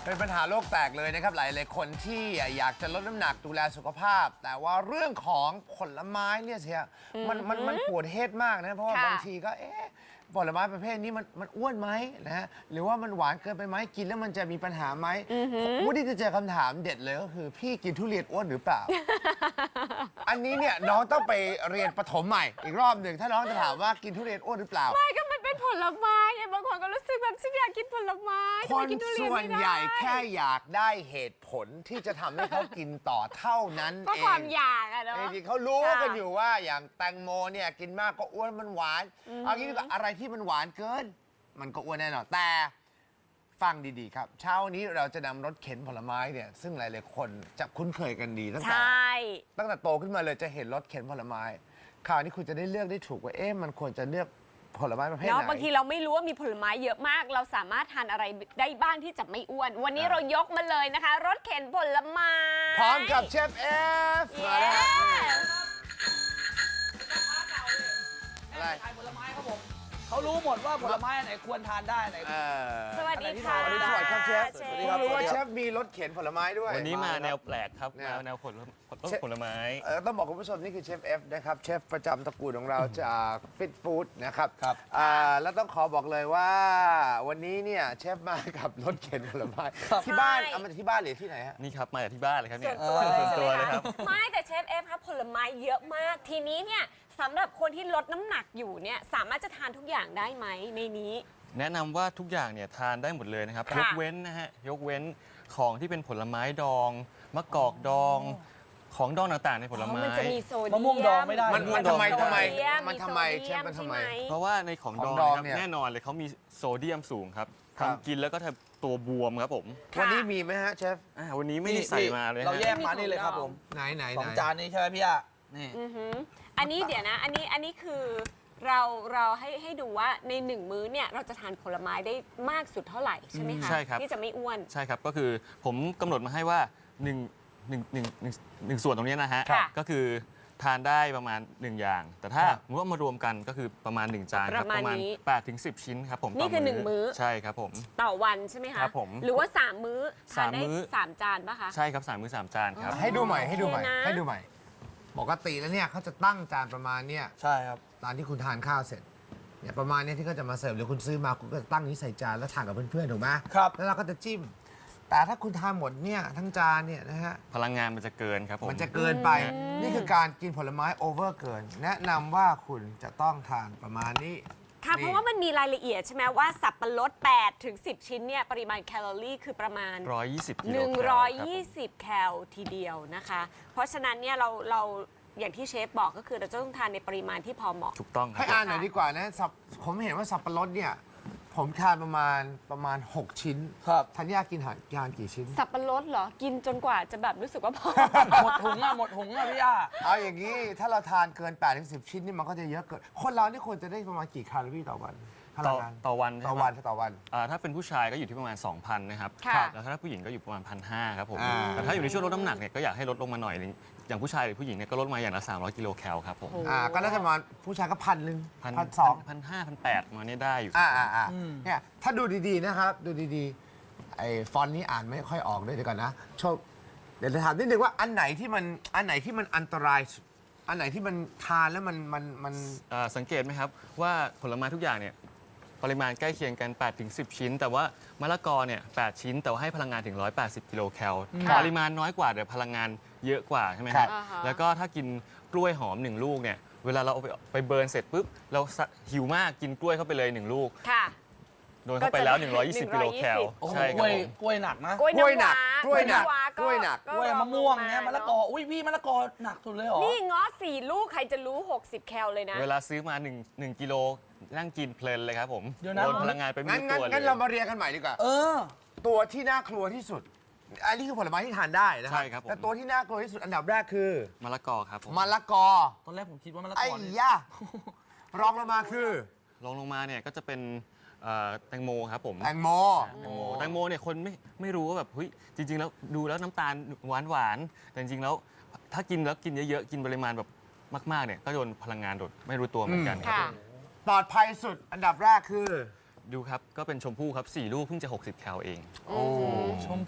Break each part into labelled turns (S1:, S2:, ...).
S1: เป็นปัญหาโลกแตกเลยนะครับหลายๆคนที่อยากจะลดน้ำหนักดูแลสุขภาพ แต่ว่าเรื่องของผลไม้เนี่ยเชียมันปวดเฮดมากนะเพราะว่าบางทีก็ผลไม้ประเภทนี้มันอ้วนไหมนะฮะหรือว่ามันหวานเกินไปไหมกินแล้วมันจะมีปัญหาไหมวูดดี้จะเจอคำถามเด็ดเลยก็คือพี่กินทุเรียนอ้วนหรือเปล่า อันนี้เนี่ยน้องต้องไปเรียนประถมใหม่อีกรอบหนึ่งถ้าน้องจะถามว่ากินทุเรียนอ้วนหรือเปล่า
S2: ไม่ก็มันเป็นผลไม้ไงบางคนก็รู้สึกแบบฉันอยากกินผลไม้
S1: คนส่วนใหญ่แค่อยากได้เหตุผลที่จะทำให้เขากินต่อเท่านั้น
S2: ก็
S1: เอง
S2: ความอยากอะเนาะ
S1: จริงๆเขารู้กันอยู่ว่าอย่างแตงโมเนี่ยกินมากก็อ้วนมันหวานเอางี้ดีกว่าอะไรที่มันหวานเกิน มันก็อ้วนแน่นอนแต่ฟังดีๆครับ เช้านี้เราจะนำรถเข็นผลไม้เนี่ยซึ่งหลายๆคนจะคุ้นเคยกันดีตั้ง
S2: ใช
S1: แต่ ตั้งแต่โตขึ้นมาเลยจะเห็นรถเข็นผลไม้คราวนี้คุณจะได้เลือกได้ถูกว่ามันควรจะเลือกผลไม้ประเภทไห
S2: เนาะ
S1: น
S2: บางทีเราไม่รู้ว่ามีผลไม้เยอะมาก เราสามารถทานอะไรได้บ้างที่จะไม่อ้วน วันนี้เรายกมาเลยนะคะ รถเข็นผลไม้
S1: พร้อมกับเชฟเอฟ
S2: เย้
S1: อะไร
S3: ขายผลไม้ครับผมเขารู้หมดว่าผลไม้อันไหนควรทานได้อันไหน
S2: สวัสดีค่ะ
S1: สวัสดีครับเชฟ
S2: เช
S1: เพิ่ง
S2: ฟ
S1: รู้ว่าเชฟมีรถเข็นผลไม้ด้วย
S4: วันนี้มาแนวแปลกครับ
S1: เนี่ย
S4: มาแนวผลไม้
S1: ต้องบอกคุณผู้ชมนี่คือเชฟเอฟนะครับเชฟประจำตระกูลของเราจากฟิตฟู้ดนะครับ
S3: ครับ
S1: แล้วต้องขอบอกเลยว่าวันนี้เนี่ยเชฟมากับรถเข็นผลไม้
S3: ครับ
S1: ที่บ้าน
S2: ใช่
S1: เอามาจากที่บ้านหรือที่ไหนฮะ
S4: นี่ครับมาจากที่บ้านเลยครับ
S2: ส่
S4: เนี่
S2: วย นตัวเลย
S4: ส่วนตัวเลยครับ
S2: ไม่แต่เชฟเอฟครับผลไม้เยอะมาก ทีนี้เนี่ยสำหรับคนที่ลดน้ำหนักอยู่เนี่ยสามารถจะทานทุกอย่างได้ไหมในนี้
S4: แนะนำว่าทุกอย่างเนี่ยทานได้หมดเลยนะครับ
S2: ค่ะ
S4: ยกเว้นนะฮะยกเว้นของที่เป็นผลไม้ดองมะกอกดอง ของดองต่างๆในผลไม้
S2: มันจะมีโซเดียม
S3: มะม่วงดองไม่ได้
S1: มันทำไม
S2: โซเดีย
S1: มันทำไม
S2: โซดีย
S1: เชฟมันทำไม
S2: ใช่ห
S4: เพราะว่าในของดอง
S1: ของดอง
S4: นะครับ
S1: เนี่ย
S4: แน่นอนเลยเขามีโซเดียมสูงครับ
S1: ครับ
S4: ทำกินแล้วก็ทำตัวบวมครับผม
S2: ค่ะ
S1: วันนี้มีไหมฮะเชฟ
S4: วันนี้ไม่ได้ใส่มาเลยฮะ
S3: เราแยกมานี่เลยครับผม
S1: ไหน
S3: สองจานนี้ใช่ไหมพี่อะนี่
S2: อือหืออันนี้เดี๋ยวนะ อันนี้คือเราให้ดูว่าในหนึ่งมื้อเนี่ยเราจะทานผลไม้ได้มากสุดเท่าไหร่ใช่ไหมคะ
S4: ใช่ครับ
S2: ที่จะไม่อ้วน
S4: ใช่ครับก็คือผมกำหนดมาให้ว่าหนึ่งส่วนตรงนี้นะฮะ
S2: ค่ะ
S4: ก็คือทานได้ประมาณ 1 อย่าง แต่ถ้า
S1: ครับ
S4: สมมติว่ามารวมกันก็คือประมาณ 1 จานครับ
S2: ประมาณนี้
S4: 8 ถึง 10 ชิ้นครับผม
S2: นี่
S4: ต่
S2: คือหนึ่งมื้อ
S4: ใช่ครับผม
S2: ต่อวันใช่ไหมคะ
S4: ครับผม
S2: หรือว่า 3 มื้อทานได้
S4: 3 มื้อ
S2: 3 จานป่ะคะ
S4: ใช่ครับ3 มื้อ 3 จานครับ
S1: ให้ดูใหม่ให้ดูใหม่
S2: โอเคนะ
S1: ให้ดูใหม่ปกติแล้วเนี่ยเขาจะตั้งจานประมาณเนี่ย
S3: ใช่ครับ
S1: ตอนที่คุณทานข้าวเสร็จเนี่ยประมาณเนี้ที่เขาจะมาเสิร์ฟหรือคุณซื้อมาคุณก็จะตั้งนี้ใส่จานแล้วทานกับเพื่อนๆถูกไหม
S3: ครับ
S1: แล้วเราก็จะจิ้ม แต่ถ้าคุณทานหมดเนี่ยทั้งจานเนี่ยนะฮะ
S4: พลังงานมันจะเกินครับผม
S1: มันจะเกินไป นี่คือการกินผลไม้โอเวอร์เกิน แนะนำว่าคุณจะต้องทานประมาณนี้
S2: ค่ะ
S1: นี่
S2: เพราะว่ามันมีรายละเอียดใช่ไหมว่าสับปะรด8 ถึง 10 ชิ้นเนี่ยปริมาณแคลอรี่คือประมาณ
S4: 120 กิโลแคลครับผม
S2: 120 แคลทีเดียวนะคะ เพราะฉะนั้นเนี่ยเราอย่างที่เชฟบอกก็คือเราจะต้องทานในปริมาณที่พอเหมาะ
S4: ถูกต้องค
S1: ให้
S4: รับ
S1: อ่านหน่อยดีกว่านะผมเห็นว่าสับปะรดเนี่ยผมทานประมาณ 6 ชิ้น
S3: ครับ
S1: ธัญญากินทานกี่ชิ้น
S2: สับปะรดเหรอ กินจนกว่าจะแบบรู้สึกว่าพอ
S3: หมดถุงอะพี่อะ
S1: เอาอย่างนี้ถ้าเราทานเกิน8ถึง10 ชิ้นนี่มันก็จะเยอะเกิน คนเรานี่ควรจะได้ประมาณกี่แคลอรี่ต่อวันพลังงาน
S4: ต่อวัน
S1: ต่อ
S4: ใช่ไหม
S1: วันต่อวัน
S4: ถ้าเป็นผู้ชายก็อยู่ที่ประมาณ 2,000 นะครับ
S2: ค่ะ
S4: แล้วถ้าผู้หญิงก็อยู่ประมาณ 1,500 ครับผม
S1: อ่า
S4: แต่ถ้าอยู่ในช่วงลดน้ำหนักเนี่ยก็อยากให้ลดลงมาหน่อยนึงอย่างผู้ชายหรือผู้หญิงเนี่ยก็ลดมาอย่างละ 300 กิโลแคลครับผม
S1: ก็น่าจะประมาณผู้ชายก็1,000 1,200
S4: 1,500 มาเนี่ยได้อยู่
S1: เนี่ยถ้าดูดีๆนะครับ ดูดีๆไอ้ฟอนต์นี้อ่านไม่ค่อยออกด้วยเดี๋ยวก่อนนะโชคเดี๋ยวจะถามนิดนึงว่าอันไหนที่มันอันตรายสุดอันไหนที่มันทานแล้วมัน
S4: สังเกตไหมครับว่าผลไม้ทุกอย่างเนี่ยปริมาณใกล้เคียงกัน 8-10 ชิ้น แต่ว่ามะละกอเนี่ย 8 ชิ้น แต่ว่าให้พลังงานถึง 180 กิโลแคล
S2: ค่ะ
S4: ปริมาณน้อยกว่าแต่พลังงานเยอะกว่าใช่ไหมครับ
S2: อ่าฮะ
S4: แล้วก็ถ้ากินกล้วยหอม 1 ลูกเนี่ยเวลาเราเอาไปเบิร์นเสร็จปุ๊บเราหิวมากกินกล้วยเข้าไปเลย 1 ลูก
S2: ค่ะ
S4: โดนเข้าไปแล้ว
S2: ก็จะได้
S4: 120 กิโลแคล
S3: โอ้โห
S4: ใช่ค
S3: ก
S4: รับ
S3: ล้วย
S4: ผม
S3: กล้วยหนักนะ
S2: กล้วย
S1: กล้วยหนั
S2: น้ำ
S1: ก
S2: ว้าก
S1: ล้วยหนัก
S2: ว้าก
S1: ล้วยหนัก
S2: ก็
S3: กล้วยมะม่วง
S2: รอ
S3: เนี่ยมะละกอ อุ้ยพี่มะละกอหนักสุดเลยเหรอ
S2: นี่ง้อ4 ลูกใครจะรู้ 60 แคลเลยนะ
S4: เวลาซื้อมา1กิโลนั่งกินเพลินเลยครับผม
S3: เดี๋ยวนะ
S4: โดนพลังงานไปไม่
S1: งั้น
S4: รู้ตัวเลย
S1: งั้นเรามาเรียงกันใหม่ดีกว่า
S3: เออ
S1: ตัวที่น่ากลัวที่สุด อันนี้คือผลไม้ที่ทานได้นะครั
S4: ใช่ครับผม
S1: แต่ตัวที่น่ากลัวที่สุดอันดับแรกคือ
S4: มะละกอครับผม
S1: มะละกอ
S3: ตอนแรกผมคิดว่ามะละ
S1: ไอ้
S3: กอเนี่ย
S1: ยะรองลงมาคือ
S4: ลงมาเนี่ยก็จะเป็นแตงโมครับผม
S1: แตงโม
S4: แตงโมเนี่ยคนไม่รู้ว่าแบบเฮ้ยจริง ๆ แล้วดูแล้วน้ำตาลหวานแต่จริงๆแล้วถ้ากินแล้วกินเยอะๆกินปริมาณแบบมากๆเนี่ยก็โดนพลังงานโดดไม่รู้ตัวเหมือนกันครับ
S2: ค่ะ
S4: ผม
S1: ปลอดภัยสุดอันดับแรกคือ
S4: ดูครับก็เป็นชมพู่ครับ4 ลูกเพิ่งจะ 60 แคลเอง
S3: ชม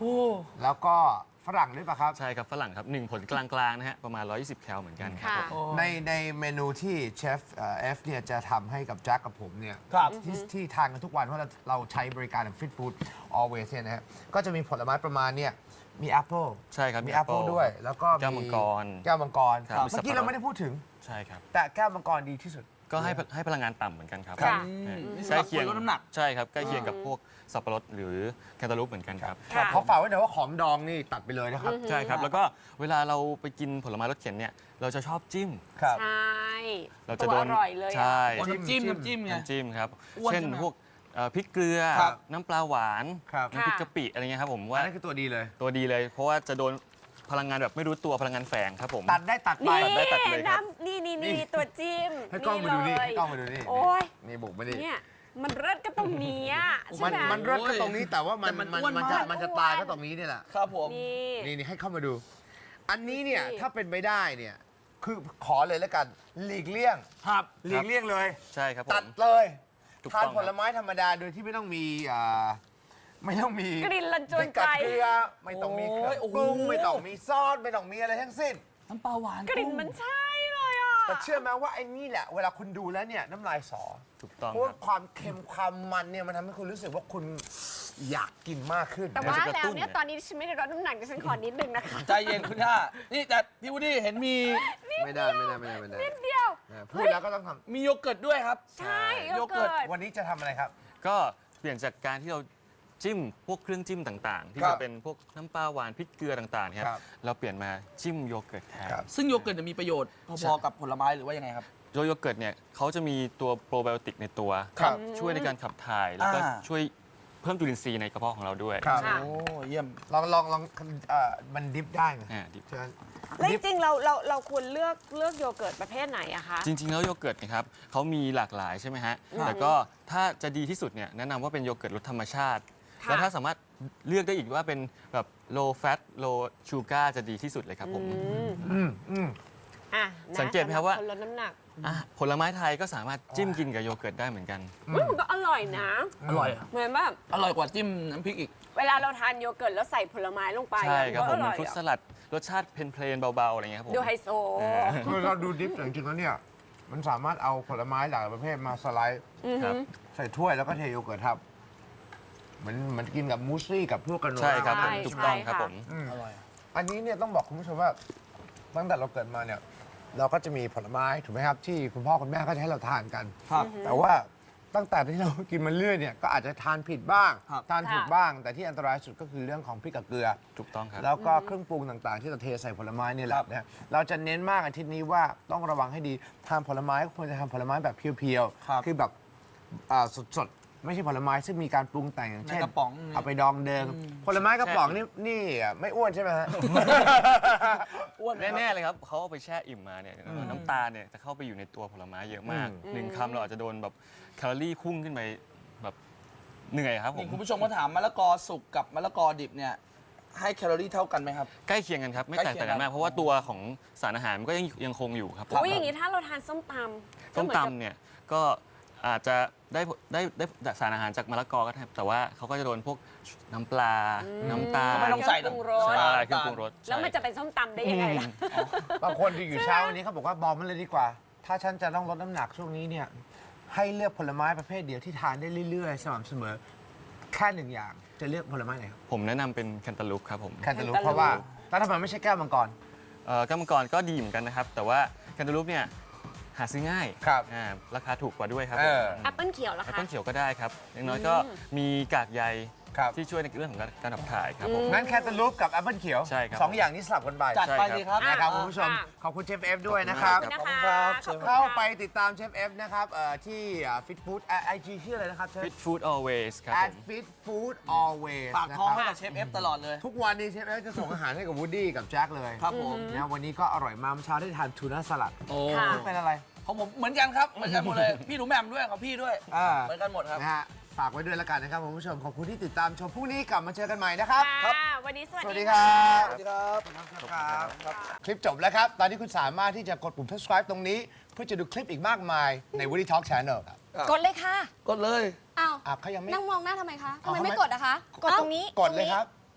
S1: แล้วก็ฝรั่งด้วยป่ะครับ
S4: ใช่ครับฝรั่งครับ1ผลกลางๆนะฮะประมาณ 120 แคลเหมือนกันครับ
S2: ค่ะ
S4: ผม
S1: ในเมนูที่เชฟเอฟเนี่ยจะทำให้กับแจ็คกับผมเนี่ย
S3: ครับ
S1: ที่ทานกันทุกวันเพราะเราใช้บริการของ Fit Food Always เนี่ยนะฮะก็จะมีผลไม้ประมาณเนี่ยมีแอปเปิล
S4: ใช่ครับ
S1: มีแอปเปิลด้วย แล้วก็
S4: แก้วมังกร
S1: แก้วมังกร
S4: ครับ
S1: เมื่อกี้เราไม่ได้พูดถึง
S4: ใช่ครับ
S1: แต่แก้วมังกรดีที่สุด
S4: ก็ให้พลังงานต่ำเหมือนกันครับ
S2: ค่ะ
S3: นี่สำหรับคนลดน้ำหนัก
S4: ใช่ครับใกล้เคียงกับพวกสับปะรดหรือแคนตาลูปเหมือนกันครับ
S2: ค่ะ
S1: เขาฝากไว้หน่อยว่าของดองนี่ตัดไปเลยนะครับ
S4: ใช่ครับ แล้วก็เวลาเราไปกินผลไม้รสเข็นเนี่ยเราจะชอบจิ้ม
S1: ครับ
S2: ใช่
S4: เราจะ
S2: ตัว
S4: โด
S2: อน ร่อยเลยอะ
S4: ใช่
S3: น้ำจิ้มไง
S4: น้ำจิ้มครับ
S3: อ้วน
S4: เช่น
S3: ใช่ไหม
S4: พวกพริกเกลือ
S3: ครับ
S4: น้ำปลาหวาน
S1: ครับ
S4: น้ำพริกกะปิอะไรเงี้ยครับผม
S1: อั
S4: ว่าน
S1: นั้นคือตัวดีเลย
S4: ตัวดีเลย เพราะว่าจะโดนพลังงานแบบไม่รู้ตัวพลังงานแฝงครับผม
S1: ตัดได้ตัดไป
S2: นี่
S4: ได้ตัดเลยครับ
S2: นี่ตัวจิ้ม
S1: ให้กล้องมาดูนี่
S2: เลย
S1: ให้กล้องมาดูนี่
S2: โอ้ย
S1: นี่บุกมาดิ
S2: เนี่ยมันเลิศก็ตรงนี้อะใช่
S1: มัน
S2: ไหม
S1: มันเลิศก็ตรงนี้แต่ว่ามัน
S3: แต่มันอ้วน
S1: มันจะ
S3: มาก
S1: มันจะตายก็ตรงนี้นี่แหละ
S3: ครับผม
S2: นี่
S1: นี่ให้เข้ามาดู อันนี้เนี่ย
S2: ดูสิ
S1: ถ้าเป็นไปได้เนี่ยคือขอเลยแล้วกันหลีกเลี่ยง
S3: ครับ
S1: หลีกเลี่ยงเลย
S4: ใช่ครับผ
S1: ตัด
S4: ม
S1: เลย
S4: ถูก
S1: ทาน
S4: ต้อง
S1: ผลไม้ธรรมดาโดยที่ไม่ต้องมีไม่ต้องมี
S2: กลิ่นละจวน
S1: พริกกับ
S2: ใจ
S1: เกลือไม่ต้องมีเครื่อง
S3: โอ้ย
S1: ปรุง
S3: โอ้โห
S1: ไม่ต้องมีซอสไม่ต้องมีอะไรทั้งสิ้น
S3: น้ำปลาหวาน
S2: กลิ่นมันใช่เลยอ่ะ
S1: แต่เชื่อไหมว่าไอ้นี่แหละเวลาคุณดูแล้วเนี่ยน้ำลายสอ
S4: ถูกต้อง
S1: เพราะ
S4: ค
S1: ว่า
S4: รับ
S1: ความเค็มความมันเนี่ยมันทำให้คุณรู้สึกว่าคุณอยากกินมากขึ้น
S2: แต่ว่า
S4: มันจะกระ
S2: แล้ว
S4: ตุ้น
S2: เนี่ยตอนนี้ดิฉันไม่ได้ลดน้ำหนักดิฉันขอนิดนึงนะคะ
S3: ใจเย็นคุณย่านี่แต่พี่วูดดี้เห็นมี
S1: ไม่ได้ไม่ได้ไม่ได้ไม่ได้
S2: นิดเดียว
S1: พูดแล้วก็ต้องท
S3: มีโยเกิร์ตด้วยครับ
S2: ใช่โย
S3: โยเกิ
S2: เกิ
S3: ร์
S2: ร์
S3: ต
S2: ต
S1: ำวันนี้จะทำอะไรครับ
S4: ก็เปลี่ยนจากการที่เราจิ้มพวกเครื่องจิ้มต่างๆ ที่
S1: ครั
S4: จะ
S1: บ
S4: เป็นพวกน้ำปลาหวานพริกเกลือต่างๆค
S1: ครั
S4: รับ บเราเปลี่ยนมาจิ้มโยเกิร์ตแทน
S1: ครับ
S3: ซึ่งโยเกิร์ตจะมีประโยชน์พอๆกับผลไม้หรือว่ายังไงครับ
S4: โยเกิร์ตเนี่ยเขาจะมีตัวโปรไบโอติกในตัว
S1: ครับ
S4: ช่วยในการขับถ่าย แล้วก็
S3: อ่า
S4: ช่วยเพิ่มจุลินทรีย์ในกระเพาะของเราด้วย
S1: ครับ
S2: ค่ะ
S3: โอ้เยี่ยม
S1: ลองมันดิฟได้ไหม
S4: ดิบ
S1: เชิญ
S2: แล้วจริงๆเราควรเลือกโยเกิร์ตประเภทไหนอะคะ
S4: จริง ๆ แล้วโยเกิร์ตนะครับเขามีหลากหลายใช่ไหมฮะ แต่ก็ถ้าจะดีที่สุดเนี่ยแนะนำว่าเป็นโยเกิร์ตรสธรรมชาติ
S2: ค่ะ
S4: แล้วถ้าสามารถเลือกได้อีกว่าเป็นแบบ low fat low sugar จะดีที่สุดเลยครับผม
S2: อ่ะนะ
S4: สังเกตไหมครับว่า
S2: สำหคนลดน้ำหนัก
S4: ผลไม้ไทยก็สามารถจิ้มกินกับโยเกิร์ตได้เหมือนกัน
S2: มันก็อร่อยนะ
S3: อร่อยอะ
S2: เหมือนแบบ
S3: อร่อยกว่าจิ้มน้ำพริกอีก
S2: เวลาเราทานโยเกิร์ตแล้วใส่ผลไม้ลงไป
S4: ใช่ครับ
S2: ก็
S4: ผ
S2: อ
S4: มเหมื
S2: ร่
S4: อ
S2: อน ย
S4: ฟรุตส
S2: อะ
S4: ลัดรสชาติเพลนๆเบาๆอะไรเงี้ยครับผม
S2: ดูไฮโซ
S1: คือเราดูดิฟแต่จริงๆแล้วเนี่ย มันสามารถเอาผลไม้หลากประเภทมาสไลด์
S4: ครับ
S1: ใส่ถ้วยแล้วก็เทโยเกิร์ตครับเหมันกินกับมูสลี่กับพวกกระโน
S4: ใช่ครับ
S2: ใช่
S4: ถูกต้องครับ
S2: ใช่ค่ะ
S4: ผม
S3: อร่อย
S1: อันนี้เนี่ยต้องบอกคุณผู้ชมว่าตั้งแต่เราเกิดมาเนี่ย เราก็จะมีผลไม้ถูกไหมครับ ที่คุณพ่อคุณแม่ก็จะให้เราทานกัน
S3: ครับ
S1: แต่ว่าตั้งแต่ที่เรากินมาเรื่อยเนี่ยก็อาจจะทานผิดบ้าง
S3: ครับ
S1: ทานถูกบ้าง แต่ที่อันตรายสุดก็คือเรื่องของพริกกับเกลือ
S4: ถูกต้องครับ
S1: แล้วก็เครื่องปรุงต่างๆ ที่เราเทใส่ผลไม้เนี่ยแหละนะฮะเราจะเน้นมากอาทิตย์นี้ว่าต้องระวังให้ดีทานผลไม้ควรจะทานผลไม้แบบเพียว
S3: ครับ
S1: ๆคือแบบสดๆ ไม่ใช่ผลไม้ซึ่งมีการปรุงแต่งอย่างเช่น
S3: ในกระป๋อง
S1: เอาไปดองเดิมผลไม้กระป๋องนี่ไม่อ้วนใช่ไหมฮะ
S3: อ้วนไหมครับ
S4: แน่ๆเลยครับเขาเอาไปแช่อิ่มมาเนี่ยน้ำตาลเนี่ยจะเข้าไปอยู่ในตัวผลไม้เยอะมากหนึ่งคำเราอาจจะโดนแบบแคลอรี่พุ่งขึ้นไปแบบเหนื่อยครับผ
S3: นี่
S4: ม
S3: คุณผู้ชมก็ถามมะละกอสุกกับมะละกอดิบเนี่ยให้แคลอรี่เท่ากันไหมครับ
S4: ใกล้เคียงกันครับ ไม่แตกต่างกันมาก เพราะว่าตัวของสารอาหารมันก็ยังคงอยู่ครับผม
S2: อุ้ยอย่างนี้ถ้าเราทานส้มตำก็
S4: ต้ม
S2: เหอนกับ
S4: ตำเนี่ยก็อาจจะได้สารอาหารจากมะละกอก็ได้แต่ว่าเขาก็จะโดนพวกน้ำปลา น้ำตาล
S3: ก็ไม่ต้องใส่
S2: เครื่องปรุงรส
S4: ใช่เครื่องปรุงรส
S2: แล้วมัน
S4: ใช่
S2: จะเป็นส้มตำได้ยังไงล่ะ
S1: บางคนที่อยู่เช้าวันนี้เขาบอกว่าบอกมันเลยดีกว่า ถ้าฉันจะต้องลดน้ำหนักช่วงนี้เนี่ยให้เลือกผลไม้ประเภทเดียวที่ทานได้เรื่อยๆสม่ำเสมอแค่หนึ่งอย่างจะเลือกผลไม้ไหนครับ
S4: ผมแนะนำเป็นแคนตาลูปครับผม
S1: แคนตาลูปเพราะว่าแล้วทำไมไม่ใช่แก้วมังกร
S4: แก้วมังกรก็ดีเหมือนกันนะครับ แต่ว่าแคนตาลูปเนี่ยหาซื้อง่าย
S1: ครับ
S4: ราคาถูกกว่าด้วยครับ
S1: เออ
S2: แอปเปิลเขียวเหรอ
S4: แอป
S2: คะ
S4: เปิ้ลเขียวก็ได้ครับอย่างน้อยก็มีกากใย
S1: ครับ
S4: ที่ช่วยในเรื่องของการขับถ่ายครับผม
S1: งั้นแคนตาลูปกับแอปเปิลเขียว
S4: ใช่ครับ
S1: สองอย่างนี้สลับกันไป
S3: จัดไปสิครับ
S1: นะครับคุณผู้ชม
S2: ค่ะ
S1: ขอบคุณเชฟเอฟด้วยนะครับ
S2: ขอบ
S3: ขอบ
S2: คุ
S3: คุณ ณ
S2: นะ
S3: ครั
S2: คะ
S3: บ
S2: ขอบคุณ
S1: เข้า
S2: ค่ะ
S1: ไปติดตามเชฟเอฟนะครับที่ฟิตฟู้ดไอจีชื่ออะไรนะครับเชฟ
S4: Fit Food Always ครับผม
S1: Fit Food Always
S3: ปาก
S1: นะ
S3: ท้อง
S1: ค
S3: ให้
S1: รับ
S3: กับเชฟเอฟตลอดเลย
S1: ทุกวันนี้เชฟเอฟจะส่งอาหารให้กับวูดดี้กับแจ็คเลย
S3: ครับผม
S1: นะวันนี้ก็อร่อยมากเมื่อเช้าได้ทานทูน่าสลัด
S3: โอ้
S2: ค่ะ
S1: นี่เป็นอะไร
S3: ของผมเหมือนกันครับ เหมือนกันหมดเลย พี่หนูแหม่มด้วยของพี่ด้วย
S1: อ่า
S3: เหมือนกันหมดครับ
S1: นะฮะฝากไว้ด้วยแล้วกันนะครับคุณผู้ชมขอบคุณที่ติดตามชมพรุ่งนี้กลับมาเจอกันใหม่นะครับ
S2: ค่ะวันนี้ส
S1: ส
S2: วั
S1: วัส
S2: ส
S1: ดี
S2: ดี
S1: ค
S2: ค่ะ
S1: รับ
S3: สวัสดีครับ
S1: ครับคลิปจบแล้วครับ ตอนนี้คุณสามารถที่จะกดปุ่ม subscribe ตรงนี้ เพื่อจะดูคลิปอีกมากมายใน Woody Talk Channel ครับ
S5: กดเลยค่ะ
S3: กดเลย
S5: อ้าว
S1: เขายังไม่
S5: นั่งมองหน้าทำไมคะ ทำไม
S1: เอา
S5: ไม่
S1: ทำไม
S5: กดอะคะ กดตรงนี้
S1: กดเลยครับ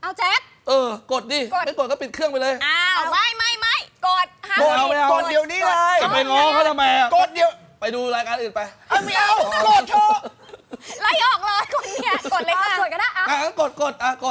S2: เอาแจ็ค
S3: กดดิ
S2: กด
S3: ไม่กดก็ปิดเครื่องไปเลย
S2: อ้าวไม่กดห้าม
S1: กด
S3: ไม่เอา
S1: กดเดี๋ยวนี้เลย
S3: จะไปง้อเขาทำไมอ่ะ
S1: กดเดี๋ยว
S3: ไปดูรายการอื่นไป
S1: ไม่เอากดเถอะ
S2: ไล่ออกเลยคนเนี่ยกดเลยค่ะ
S5: กดก็ได้
S3: งั้นกด